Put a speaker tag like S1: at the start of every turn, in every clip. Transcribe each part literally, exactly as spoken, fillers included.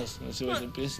S1: нас на сегодня песня.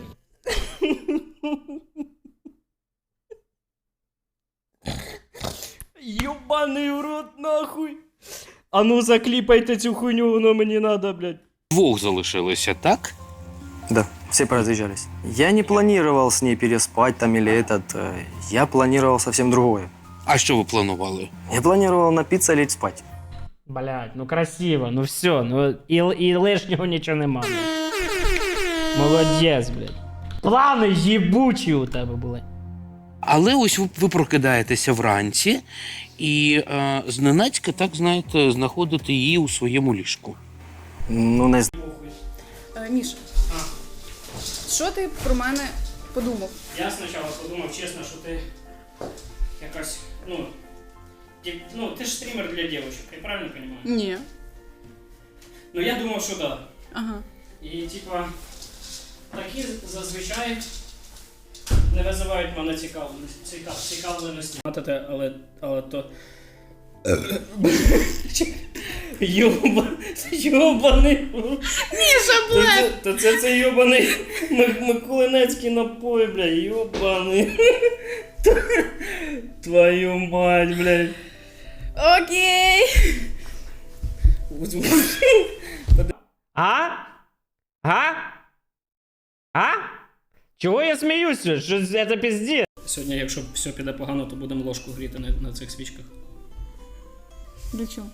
S1: Ёбаный в рот, нахуй. А ну закліпайте цю хуйню, воно мені надо, блядь.
S2: Двох залишилося, так?
S3: Да, все поразъезжались. Я не планировал с ней переспать там или этот. э, Я планировал совсем другое.
S2: А що ви планували?
S3: Я планировал напиться и лечь спать.
S1: Блядь, ну красиво, ну все, ну і, і лишнього нічого нема. Блядь. Молодець, блядь. Плани їбучі у тебе були.
S2: Але ось ви, ви прокидаєтеся вранці і е, зненацька, так знаєте, знаходите її у своєму ліжку.
S3: Ну, не знаю.
S4: Е, Міша, що ти про мене подумав?
S1: Я спочатку подумав, чесно, що ти якась, ну, ти, ну, ти ж стрімер для дівчинок, я правильно розумію?
S4: Ні.
S1: Ну я думав, що да.
S4: Ага.
S1: І типа, такі зазвичай не визивають мене цікавленості. Цікав, цікавленості. Але, але то... Йоба, йобаний.
S4: Міша, блядь!
S1: То це це йобаний Миколинецький напой, бля, йобаний. Твою мать, блядь.
S4: Окей!
S1: А? А? А? Чого я сміюся? Що це пізді? Сьогодні, якщо все піде погано, то будемо ложку гріти на, на цих свічках.
S4: Для чого?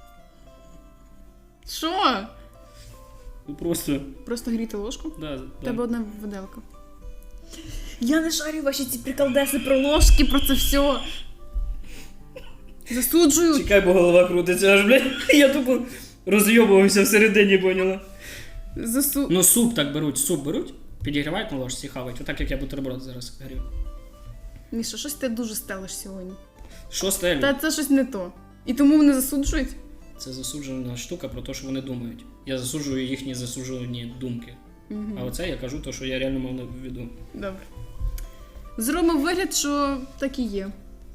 S4: Що?
S1: Ну просто...
S4: Просто гріти ложку?
S1: Да,
S4: У
S1: да.
S4: тебе одна виделка. Я не шарю ваші ці приколдеси про ложки, про це все. Засуджую.
S1: Чекай, бо голова крутиться аж, блядь. Я тупо розйобувався всередині, поняла?
S4: Засу...
S1: Ну суп так беруть, суп беруть, підігрівають на ложці, хавають. Отак, як я бутерброд зараз грів.
S4: Міша, щось ти дуже стелиш сьогодні.
S1: Що стелю?
S4: Та це щось не то. І тому вони засуджують?
S1: Це засуджена штука про те, що вони думають. Я засуджую їхні засуджені думки.
S4: Угу.
S1: А оце я кажу те, що я реально мав на виду.
S4: Добре. Зробимо вигляд, що так і є.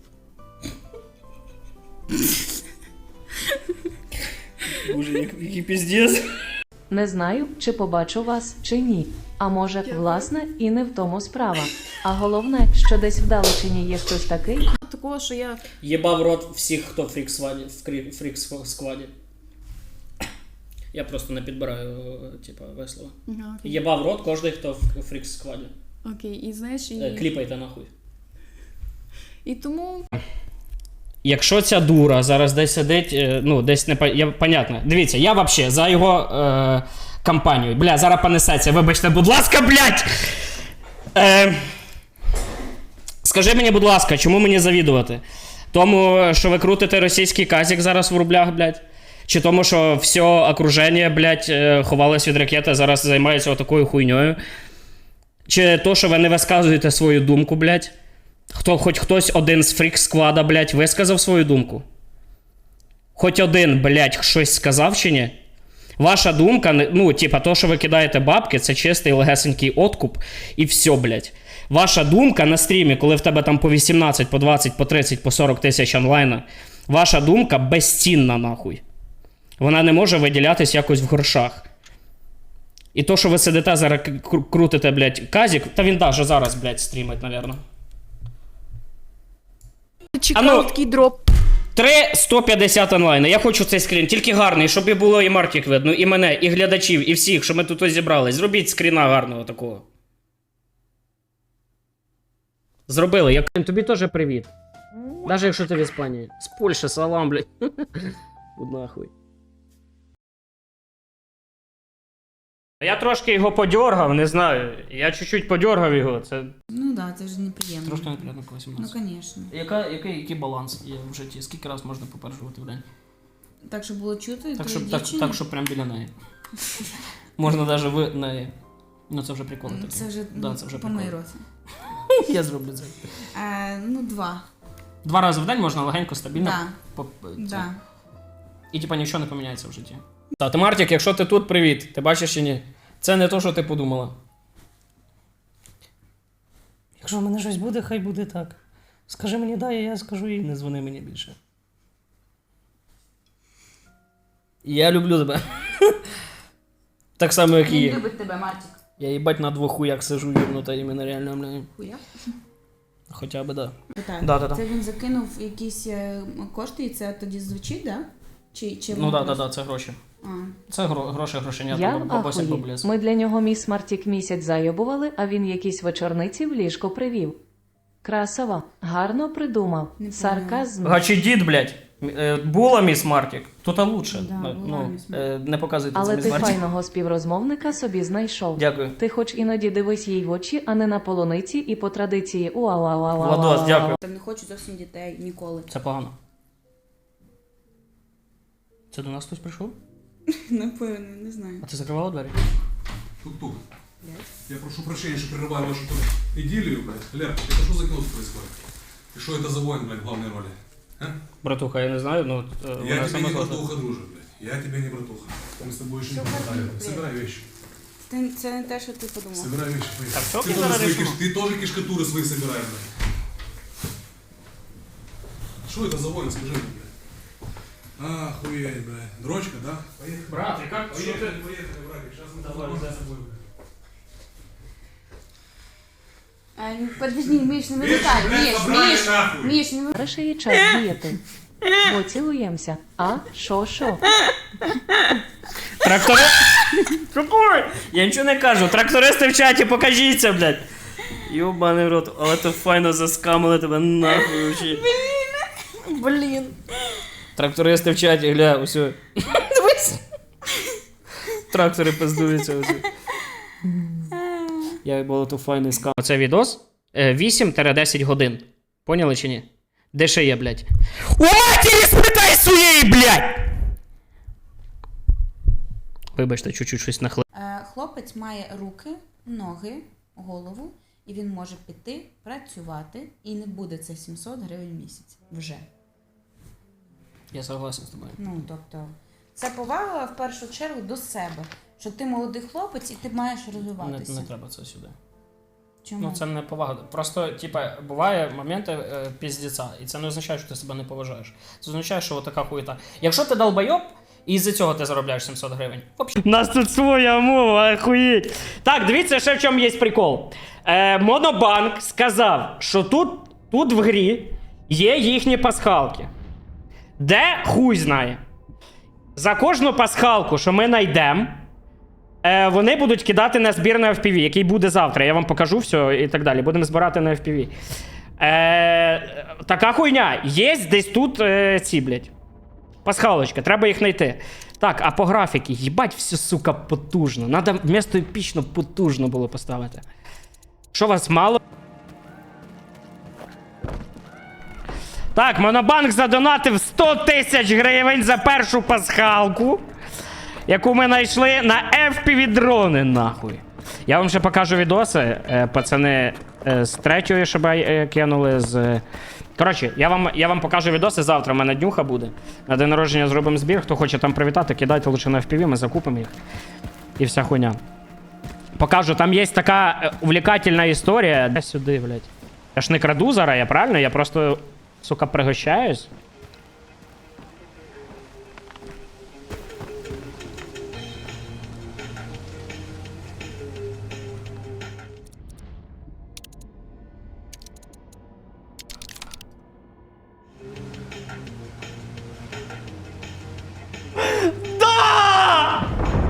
S1: Боже, який піздець.
S5: Не знаю, чи побачу вас, чи ні. А може, власне, і не в тому справа. А головне, що десь вдалечині є хтось такий.
S4: Такого, що я...
S1: Єбав рот всіх, хто в фрік-скваді. В крі- фрік-скваді. Я просто не підбираю, типа, весело.
S4: Ага, окей.
S1: Єбав рот кожний, хто в фрік-скваді.
S4: Окей, і знаєш, і...
S1: Е, Кліпайте нахуй.
S4: І тому...
S1: Якщо ця дура зараз десь сидить, е, ну, десь не... Я, понятно. Дивіться, я вообще за його е, кампанію. Бля, зараз понесеться, вибачте, будь ласка, блядь! Е, скажи мені, будь ласка, чому мені завідувати? Тому, що ви крутите російський казик зараз в рублях, блядь? Чи тому, що все окруження, блядь, е, ховалось від ракети, зараз займається отакою хуйньою? Чи то, що ви не висказуєте свою думку, блядь? Хто, хоч хтось один з фрік-сквада, блядь, висказав свою думку? Хоч один, блядь, щось сказав чи ні? Ваша думка, ну, типа, то, що ви кидаєте бабки, це чистий легесенький откуп, і все, блядь. Ваша думка на стрімі, коли в тебе там по вісімнадцять, по двадцять, по тридцять, по сорок тисяч онлайна, ваша думка безцінна, нахуй. Вона не може виділятись якось в грошах. І то, що ви сидите зараз, крутите, блядь, казик, та він даже зараз, блядь, стрімить, напевно.
S4: Чекав
S1: А ну-
S4: такий дроп.
S1: три сто п'ятдесят онлайн. Я хочу цей скрін, тільки гарний, щоб і було і Мартік видно, і мене, і глядачів, і всіх, що ми тут ось зібрались. Зробіть скріна гарного такого. Зробили. Я тобі теж привіт. Навіть якщо ти в Іспанії. З Польщі, салам, блядь. Будь нахуй. Я трошки його подьоргав, не знаю. Я чуть-чуть подьоргав його. Це
S6: Ну да, це ж неприємно.
S1: трошки неприємно колись у
S6: Ну,
S1: нас.
S6: звісно.
S1: Яка, який, який баланс є в житті? Скільки раз можна попереджувати в день?
S6: Так, щоб було чути,
S1: Так,
S6: твої
S1: щоб, так,
S6: дівчини?
S1: так, щоб прям біля неї. Можна навіть в неї. Ну це вже приколи
S6: Ну,
S1: такі.
S6: Це вже,
S1: Да,
S6: ну,
S1: це вже
S6: помий
S1: приколи.
S6: рота.
S1: Я зроблю це.
S6: Е, ну, два.
S1: Два рази в день можна легенько, стабільно.
S6: Да.
S1: По, це.
S6: Да.
S1: І типа нічого не поміняється в житті. Та, ти Мартік, якщо ти тут, привіт. Ти бачиш чи ні? Це не то, що ти подумала.
S7: Якщо в мене щось буде, хай буде так. Скажи мені да, і я скажу їй.
S1: Не дзвони мені більше. Я люблю тебе. Так само, як і
S6: Він
S1: є.
S6: любить тебе, Мартік.
S1: Я їбать на двох хуях сижу, єбнута іменно реально, бля.
S6: Хуя?
S1: Хоча б, да.
S6: Питаю.
S1: Да-да-да.
S6: Це він закинув якісь е, кошти і це тоді звучить, да? Чи, чи
S1: Ну
S6: воно
S1: да, да,
S6: просто-
S1: да, це гроші.
S6: А.
S1: Це гро, гроші, грошення,
S5: Я
S1: там бабуся
S5: ахуї.
S1: поблизу.
S5: Ми для нього міс Мартік місяць зайобували, а він якісь вечорниці в ліжко привів. Красава, гарно придумав.
S6: Не
S5: Сарказм.
S1: Гачі дід, блядь. Е, Була міс Мартік, тут лучше.
S6: Да, була
S1: ну,
S6: міс
S1: е, не показуйте це
S5: Але
S1: міс
S5: ти
S1: Мартік.
S5: файного співрозмовника собі знайшов.
S1: Дякую.
S5: Ти хоч іноді дивись їй в очі, а не на полуниці і по традиції уа
S1: Владос, дякую.
S6: Там не хочу зовсім дітей ніколи.
S1: Це погано. Це до нас хтось прийшов?
S6: Напевно, не знаю.
S1: А ти закривала двері?
S8: Тук-тук. Я прошу прощения, что прерываю вашу тут идиллию, блядь. Лер, это что за кино тут происходит? И что это за воин, блядь, в главной роли? А?
S1: Братуха, я не знаю, ну... е,
S8: Я
S1: вона
S8: тебе
S1: сама
S8: не
S1: сказала.
S8: братуха, друже, блядь. Я тебе не братуха. Мы с тобой еще не поболтали. Собирай вещи.
S6: Це, це не те, що ти подумав.
S8: Собирай вещи, поехали.
S1: Так, всё,
S8: ты,
S1: я
S8: тоже
S1: зараз
S8: свои
S1: решу.
S8: киш- ты тоже кишкатуры свои собираешь, блядь. Что это за воин, скажи мне, блядь? Охуеть, блядь. Дрочка, да? Поехали.
S1: Брат, і як? Що
S8: Поехали,
S1: ти?
S8: поехали, братик. Сейчас мы
S1: Давай,
S8: познакомимся
S1: да.
S8: с тобой, блядь.
S6: А, ну, подожди, Міш, не
S8: Вещи,
S6: вимикай.
S8: блядь,
S6: Міш,
S8: собрали
S6: Міш,
S8: нахуй.
S6: Міш, не вимикай.
S5: Зараз є час діяти. Бо цілуємося. А? Шо, шо?
S1: Трактори... Какой? Я нічого не кажу. Трактористи в чаті, покажіться, блядь. Йобаний в рот, але то файно заскамили тебе нахуй вообще. Блін. Блін. Трактористи в чаті, гля, усьо. Дивись. Трактори пиздуються усьо. Я було то файний скам. Це відос вісім-десять годин. Поняли чи ні? Де ще є, блядь? У матері спитай своєї, блядь! Вибачте, чуть-чуть щось нахли.
S6: Е, Хлопець має руки, ноги, голову, і він може піти працювати, і не буде це сімсот гривень в місяць. Вже.
S1: Я согласен з тобою.
S6: Ну, тобто, це повага в першу чергу до себе. Що ти молодий хлопець і ти маєш
S1: Не,
S6: розвиватися.
S1: не треба це сюди.
S6: Чому?
S1: Ну, це не повага. Просто, типа, буває моменти е, піздеця, і це не означає, що ти себе не поважаєш. Це означає, що така хуєта. Якщо ти долбойоб, і із-за цього ти заробляєш сімсот гривень. У нас тут своя мова, охуєть. Так, дивіться, ще в чому є прикол. Е, Монобанк сказав, що тут, тут в грі є їхні пасхалки. Де хуй знає. За кожну пасхалку, що ми знайдемо, Е, вони будуть кидати на збір на еф пі ві, який буде завтра. Я вам покажу все і так далі. Будемо збирати на еф пі ві. Е, така хуйня. Є десь тут е, ці, блядь. Пасхалочка, треба їх знайти. Так, а по графіки, їбать, все, сука, потужно. Надо вмісто епічно потужно було поставити. Що вас мало? Так, Монобанк задонатив сто тисяч гривень за першу пасхалку, яку ми знайшли на еф пі ві-дрони, нахуй. Я вам ще покажу відоси, е, пацани, е, з третьої ШБ е, кинули, з... Коротше, я вам, я вам покажу відоси завтра, в мене днюха буде. На день народження зробимо збір, хто хоче там привітати, кидайте лише на еф пі ві, ми закупимо їх. І вся хуйня. Покажу, там є така е, увлекательна історія. Де сюди, блядь? Я ж не краду зараз, я правильно? Я просто, сука, пригощаюсь. Да!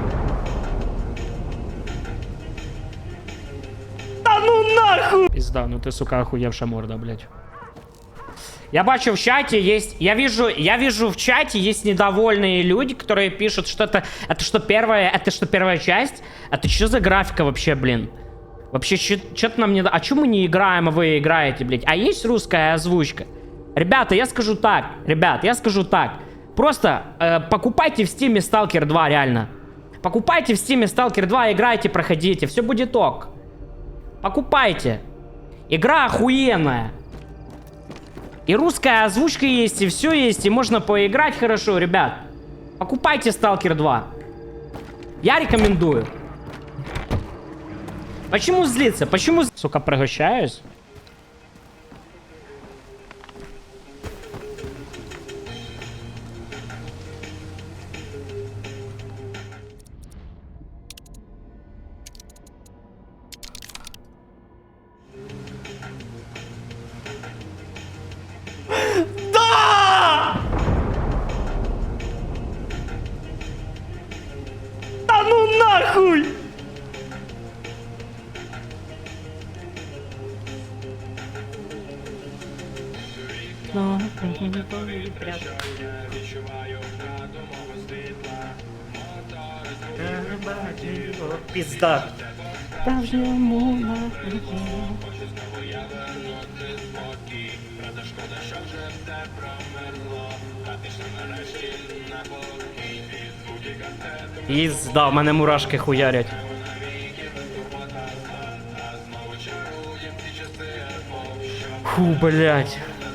S1: Та ну нахуй! Пизда, ну ты, сука, охуевшая морда, блядь. Я бачу в чате есть, я вижу, я вижу в чате есть недовольные люди, которые пишут, что это, это что первая, это что первая часть? Это что за графика вообще, блин? Вообще, что-то нам не... А чё мы не играем, а вы играете, блядь? А есть русская озвучка? Ребята, я скажу так, ребят, я скажу так. Просто э, покупайте в Steam Stalker два, реально. Покупайте в Steam Stalker два, играйте, проходите, все будет ок. Покупайте. Игра охуенная. И русская озвучка есть, и все есть, и можно поиграть хорошо, ребят. Покупайте Stalker два. Я рекомендую. Почему злиться? Почему, сука, пригощаюсь? вікно. Пізда. Пізда, в мене мурашки хуярять. Фу, блядь.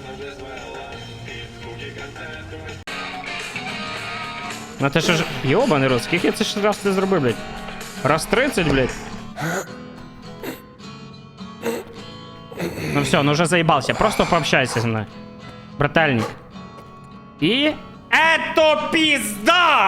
S1: Ну ти що ж... Йобаний рот, скільки я це ж раз ти зробив, блядь? Раз тридцять, блядь. Ну все, ну уже заебался. Просто пообщайся со мной. Брательник. И... Это пизда!